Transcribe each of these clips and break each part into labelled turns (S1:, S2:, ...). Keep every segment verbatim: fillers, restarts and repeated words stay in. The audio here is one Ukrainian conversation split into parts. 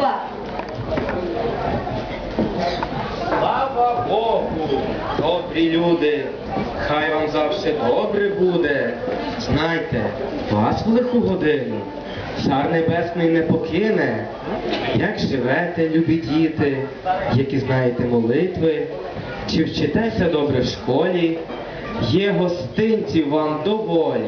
S1: Ганьба!
S2: Слава Богу, добрі люди, хай вам завжди добре буде. Знайте, вас в лиху годину Цар Небесний не покине. Як живете, любі діти, які знаєте молитви, чи вчитеся добре в школі, є гостинців вам доволі.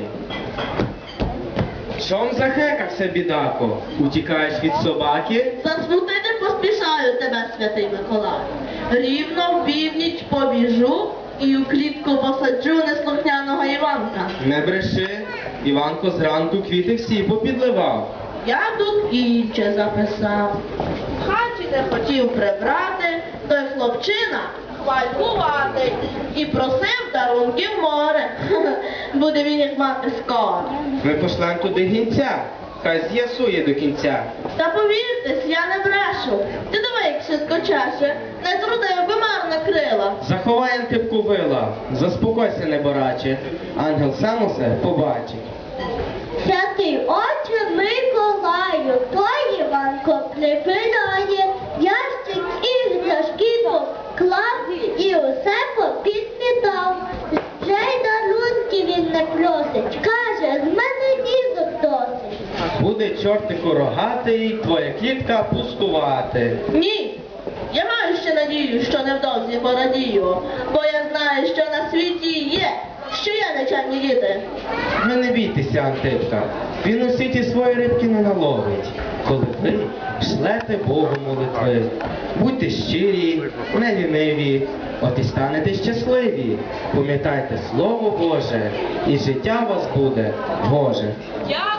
S2: Чом захекався, бідако? Утікаєш від собаки?
S1: Засмутити поспішаю тебе, святий Миколай. Рівно в північ побіжу і у клітку посаджу неслухняного Іванка.
S2: Не бреши, Іванко зранку квіти всі попідливав.
S1: Я тут інше записав. В хаті не хотів прибрати, той хлопчина хвалькуватий і просив дарунків море. Буде він їх мати скоро.
S2: Ми пошлем туди гінця, хай з'ясує до кінця.
S1: Та повіртесь, я не брешу. Ти диви, як швидко чеше, не трудив би марна крила.
S2: Заховай Антипку вила, заспокойся, небораче, ангел сам усе побачить.
S3: Святий отче Миколаю, той Іванко припинає, ящик іграшки поклав і усе попідмітав. Вже й дарунки він не просить, каже, з мене дізок досить.
S2: Буде чортику рогатий, твоя клітка пустувати.
S1: Ні, я маю ще надію, що невдовзі порадію, бо я знаю, що на світі є, що є нечемні діти.
S2: Ви не бійтеся, Антипка, він у світі свої рибки не наловить. Коли ви шлете Богу молитви, будьте щирі, не ліниві, от і станете щасливі. Пам'ятайте Слово Боже, і життя у вас буде Боже.
S1: Я